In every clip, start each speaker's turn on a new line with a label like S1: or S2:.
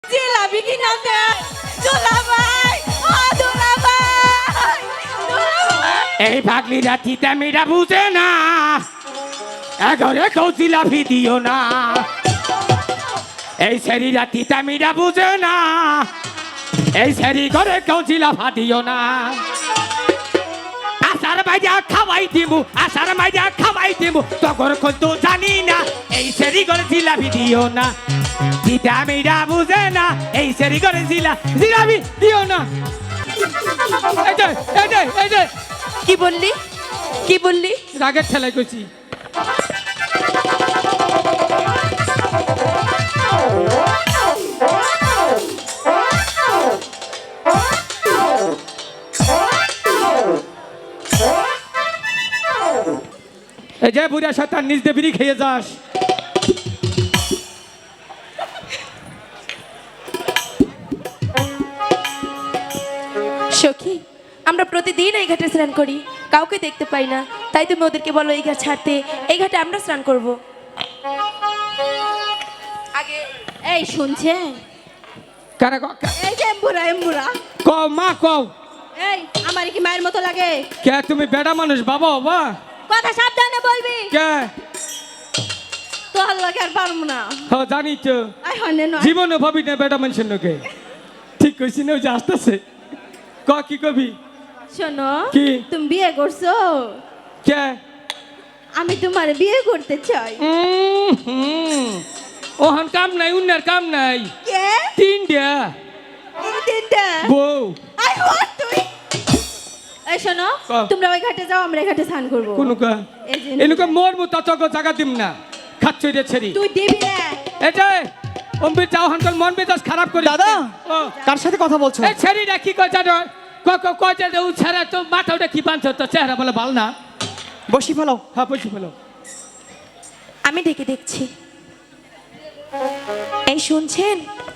S1: জিলাপি কিনা দে দুলাভাই, ও দুলাভাই, দুলাভাই।
S2: এই পাগলিরা তিতামিরা বুঝে না, এগরে কেউ জিলাপি দিও না। এই শরীরা তিতামিরা বুঝে না, এই শরীর ঘরে কেউ জিলাফা দিও না। আসার মাইজা খাওয়াই দিমু, আসার মাইজা খাওয়াই দিমু, তখন কিন্তু জানি না এই শরীর ঘরে জিলাপি দিও না। তিতামিরা বুঝে না, এই শরীর ঘরে জিলাপি দিও না। এই যে এই যে এই যে
S1: কি বললি, কি বললি?
S2: রাগের ঠেলাই করছি। এই যে বুড়া শয়তান নিজ দিয়ে বিড়ি খেয়ে যাস।
S1: সখী, আমরা প্রতিদিন এই ঘাটে স্নান করি, কাউকে দেখতে পাই না, তাই তুমি ওদেরকে বলো এই ঘাট ছাড়তে, এই ঘাটে আমরা স্নান করব। আগে এই শুনছেন,
S2: কারা
S1: এই যে এম্বুরা এম্বুরা,
S2: কও মা কও।
S1: এই আমার কি মায়ের মতো লাগে?
S2: কে তুমি বেড়া মানুষ বাবা বাবা?
S1: কথা সাবধানে বলবি,
S2: কে?
S1: তোর লাগে আর পারবো না।
S2: হ জানি তো,
S1: আই হনে নয়,
S2: জীবনে ভাবি না বেড়া মানুষের লোকে। ঠিক কইছি না, ওই যে আসতেছে। ক কি কবি?
S1: শোনো,
S2: কি?
S1: তুমি বিয়ে করছো,
S2: কে?
S1: আমি তোমার বিয়ে করতে চাই।
S2: ওহান কাম নাই, উন্নার কাম নাই।
S1: কে?
S2: তিনটা
S1: এই তিনটা
S2: বউ।
S1: আই হোয়াট তুই? এই শোনো,
S2: ক।
S1: তোমরা ওই ঘাটে যাও, আমরা এই ঘাটে স্নান করব।
S2: কোন কা?
S1: এই যে
S2: এনুকে মোর মতো চক জায়গা দিম না, খাচ্ছ রে ছেড়ি।
S1: তুই দিবি না।
S2: এই যে অম্বির যাও হানকাল মন মেজাজ খারাপ করে।
S3: দাদা
S2: ও
S3: কার সাথে কথা বলছো?
S2: এই ছেড়িটা কি কয় জানো? কয় যে ও ছেড়া তো মাথা ওটা কি বানছ, তো চেহারা বলে ভালো না।
S3: বসি ফেলো।
S2: হ্যাঁ বসে ফেলো।
S1: আমি ডেকে দেখছি। এই শুনছেন,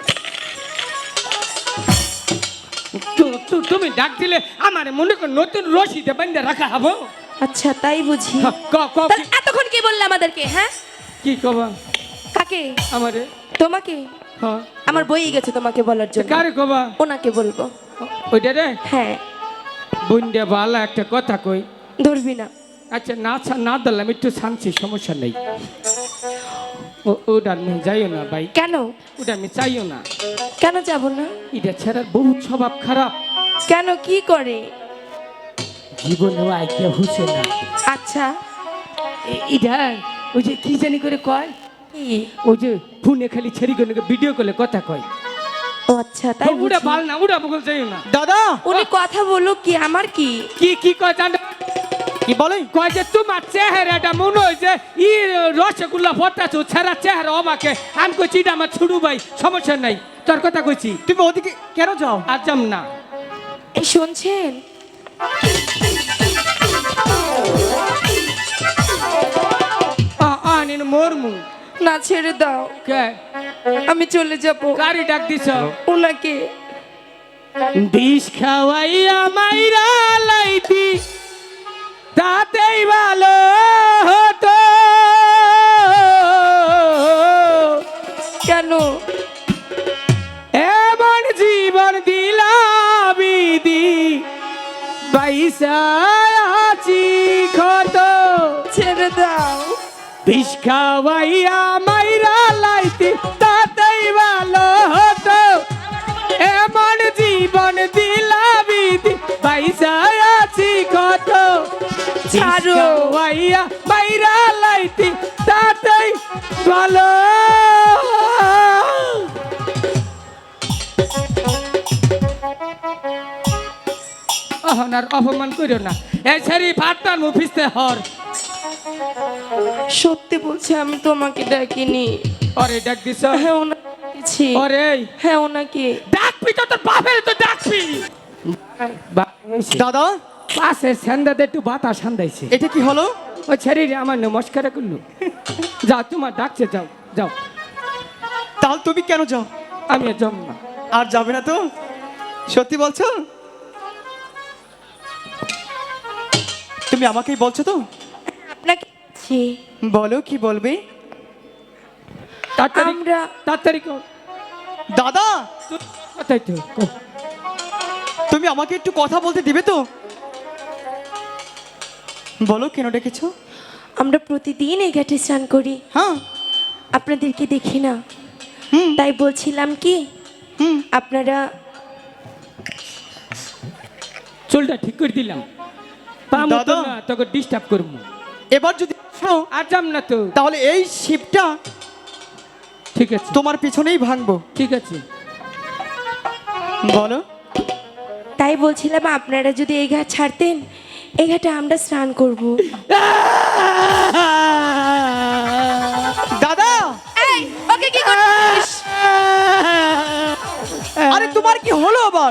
S2: তুমি ডাক দিলে আমার মনে কর নতুন রশিদে বান্ধে রাখা হবো।
S1: আচ্ছা তাই বুঝি।
S2: হ্যাঁ, ক
S1: তা এতক্ষণ কি বললে আমাদেরকে? হ্যাঁ,
S2: কি কবা
S1: কাকে?
S2: আমারে?
S1: তোমাকে?
S2: হ্যাঁ
S1: আমার বই গেছে তোমাকে বলার জন্য।
S2: কারে কবা?
S1: ওনাকে বলবো।
S2: ওইটা রে
S1: হ্যাঁ,
S2: বন্ডে বালা একটা কথা কই।
S1: ধরবি না।
S2: আচ্ছা না ধরলাম, একটু শান্তি, সমস্যা নেই। ওটা আমি যাইও না ভাই,
S1: কেন?
S2: ওটা আমি চাইও না।
S1: কেন যাব না?
S2: এটা ছেড়ার বহুত স্বভাব খারাপ,
S1: কেন, কি করে?
S2: জীবনেও আইডিয়া হচ্ছে না।
S1: আচ্ছা
S2: এটা ওই যে কি জানি করে কয়,
S1: কি?
S2: ওই যে ফোনে খালি ছেড়ি করে ভিডিও করলে কথা কয়।
S1: ও আচ্ছা তাই
S2: উড়া
S1: বুঝি।
S2: ভাল না, উড়া বগল যাইও না।
S3: দাদা
S1: উনি কথা বলুক, কি আমার কি?
S2: কি কয় জানো?
S3: কি বলে?
S2: কয় যে তোমার চেহারাটা মনে হয় যে রসগোল্লা ফটাছো, ছেড়া চেহারা অবাকে। আমি কইছি এটা আমার ছুড়ু ভাই, সমস্যা নাই, তোর কথা কইছি।
S3: তুমি ওদিকে কেন যাও?
S2: আর যাম না।
S1: এই শুনছেন,
S2: মরমু
S1: না ছেড়ে দাও,
S2: কে?
S1: আমি চলে যাব।
S2: গাড়ি ডাক দিছ?
S1: ওনাকে।
S2: বিষ খাওয়াইয়া মাইরা লাইতি, তাতেই ভালো হতো।
S1: কেন?
S2: এমন জীবন দিলাবিদি, বাইসা আছি ক্ষত।
S1: ছেড়ে দাও।
S2: বিষ খাওয়াইয়া মাইরা লাইতি, তাতেই ভালো হতো। এমন জীবন দিলাবিদি, বাইসা আছি ক্ষত।
S1: ছাড়ো।
S2: খাওয়াইয়া মাইরা লাইতি, তাতেই ভালো। অহনার অপমান করিও না। এই ছেড়ি ফাটান মুফিসতে হর।
S1: সত্যি বলছি, আমি তোমাকে ডাকিনি।
S2: ওরে ডাক দিছ?
S1: হ্যাঁ ওনাকে ডেকেছি।
S2: ওরে
S1: হ্যাঁ ওনাকে।
S2: ডাকবি তো, তোর বাপের তো ডাকবি।
S3: দাদা
S2: পাশে সেন্দাতে একটু বাতাস সান্দাইছে।
S3: এটা কি হলো?
S2: ওই ছেড়ি আমার নমস্কার করলো। যাও, তোমার ডাকছে, যাও যাও।
S3: তাহলে তুমি কেন যাও?
S2: আমি আর যাবো না।
S3: আর যাবে না তো? সত্যি বলছো? তুমি আমাকেই বলছো তো?
S1: আপনাকে বলছি।
S3: বলো কি বলবে?
S2: তাড়াতাড়ি
S1: আমরা
S2: তাড়াতাড়ি কর।
S3: দাদা
S2: কথাই তো
S3: তুমি আমাকে একটু কথা বলতে দিবে তো? বলো কেন ডেকেছো?
S1: আমরা প্রতিদিন এই ঘাটে স্নান করি,
S3: হ্যাঁ।
S1: আপনাদেরকে দেখি না,
S3: হুম
S1: তাই বলছিলাম কি
S3: হুম।
S1: আপনারা
S2: চুলটা ঠিক করে দিলাম, পামো তো
S3: দাদা।
S2: না তোকে ডিস্টার্ব করবো।
S3: এবার যদি আসো,
S2: আর যাম না তো।
S3: তাহলে এই শিপটা
S2: ঠিক আছে
S3: তোমার পিছনেই ভাঙবো।
S2: ঠিক আছে।
S3: বলো।
S1: তাই বলছিলাম আপনারা যদি এই ঘাট ছাড়তেন, এই ঘাটে আমরা স্নান করব।
S3: দাদা
S1: এই ওকে কি করছিস?
S3: আরে তোমার কি হলো আবার?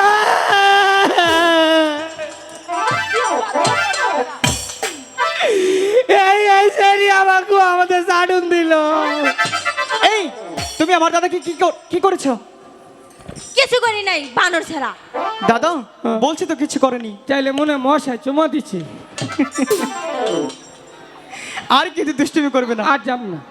S2: এই সেরি আমাকে আমাদের সাডুন দিল।
S3: এই তুমি আমার দাদাকে কি করেছো?
S4: কিছু করি নাই, বানর ছাড়া।
S3: দাদা বলছি তো কিছু করেনি।
S2: চাইলে মনে হয় মশাই চুমা দিচ্ছে।
S3: আর কিন্তু দুষ্টুমি করবে না।
S2: আর যাম না।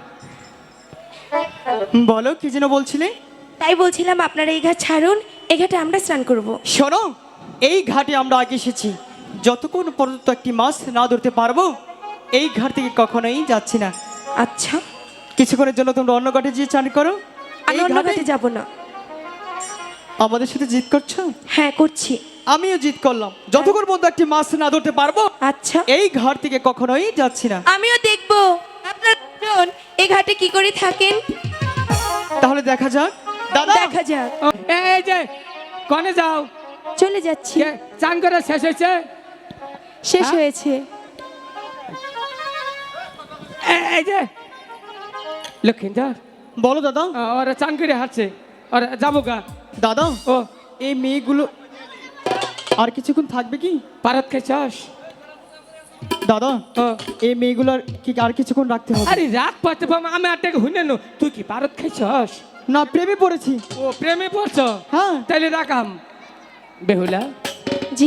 S3: বলো কি যেন বলছিলে?
S1: তাই বলছিলাম আপনারা এই ঘাট ছাড়ুন, এই ঘাটে আমরা স্নান করব।
S3: শোনো, এই ঘাটে আমরা আগে এসেছি, যতক্ষণ পর্যন্ত একটি মাছ না ধরতে পারবো এই ঘাট থেকে কখনোই যাচ্ছি না।
S1: আচ্ছা,
S3: কিছুক্ষণের জন্য তোমরা অন্য ঘাটে গিয়ে চান করো।
S1: আমি
S3: এই
S1: অন্য
S3: ঘাটে
S1: ঘাটে যাব না।
S3: আমাদের সাথে জিত করছো?
S1: হ্যাঁ করছি।
S3: আমিও জিত করলাম, যতক্ষণ পর্যন্ত একটি মাছ না ধরতে পারবো
S1: আচ্ছা,
S3: এই ঘাট থেকে কখনোই যাচ্ছি না।
S1: আমিও দেখব আপনারা দুজন এই ঘাটে কি করে থাকেন।
S3: তাহলে দেখা যাক। দাদা
S1: দেখা যাক।
S2: ও, এই যে কনে যাও?
S1: চলে যাচ্ছি।
S2: কে চান করে শেষ হয়েছে?
S1: শেষ
S2: হ্যাঁ?
S1: হয়েছে।
S2: এই যে লক্ষ্মীন্দর,
S3: বলো দাদা।
S2: ওরা চান করে হাঁটছে, ওরা যাবো গা।
S3: দাদা
S2: ও
S3: এই মেয়েগুলো আর কিছুক্ষণ থাকবে কি?
S2: পারত খেয়েছস?
S3: দাদা
S2: ও
S3: এই মেয়েগুলোর কি আর কিছুক্ষণ রাখতে হবে?
S2: আরে রাগ পাতে পাম, আমি আর টাকা হুইনে নো। তুই কি পারত খাইছস?
S3: না, প্রেমে পড়েছি।
S2: ও প্রেমে পড়ছ?
S3: হ্যাঁ।
S2: তাইলে রাখাম। বেহুলা,
S1: জি,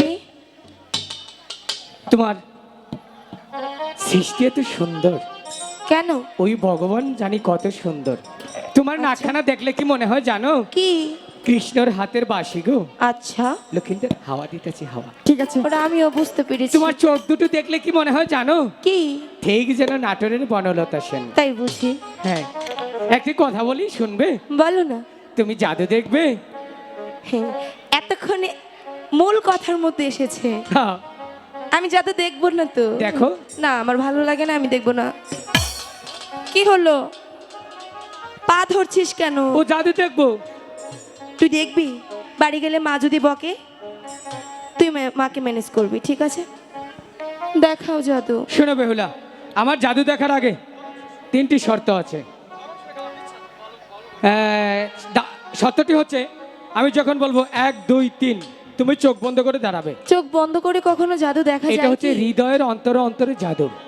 S2: তোমার সৃষ্টি এত সুন্দর,
S1: কেন?
S2: ওই ভগবান জানি কত সুন্দর। তোমার নাকখানা দেখলে কি মনে হয় জানো?
S1: কি?
S2: কৃষ্ণর হাতের বাঁশি গো।
S1: আচ্ছা,
S2: লক্ষ্মীন্দর, হাওয়া দিতেছি হাওয়া।
S3: ঠিক আছে।
S1: ওরা আমিও বুঝতে পেরেছি।
S2: তোমার চোখ দুটো দেখলে কি মনে হয় জানো?
S1: কি?
S2: ঠিক যেন নাটোরের বনলতা সেন।
S1: তাই বুঝি।
S2: হ্যাঁ, একটি কথা বলি, শুনবে?
S1: বলো না।
S2: তুমি জাদু দেখবে?
S1: হ্যাঁ, এতক্ষণে মূল কথার মধ্যে এসেছে।
S2: হ্যাঁ,
S1: আমি যাতে দেখবো না তো।
S2: দেখো।
S1: না, আমার ভালো লাগে না, আমি দেখবো না। কি হলো? পা ধরছিস কেন?
S2: ও জাদু দেখবো।
S1: তুই দেখবি? বাড়ি গেলে মা যদি বকে, তুই মাকে ম্যানেজ করবি, ঠিক আছে? দেখাও জাদু।
S2: শোনো বেহুলা, আমার জাদু দেখার আগে 3টি শর্ত আছে। শর্তটি হচ্ছে, আমি যখন বলবো 1 2 3, তুমি চোখ বন্ধ করে দাঁড়াবে।
S1: চোখ বন্ধ করে কখনো জাদু দেখা
S2: এটা
S1: যায়
S2: হচ্ছে
S1: কি?
S2: হৃদয়ের অন্তরে অন্তরে জাদু।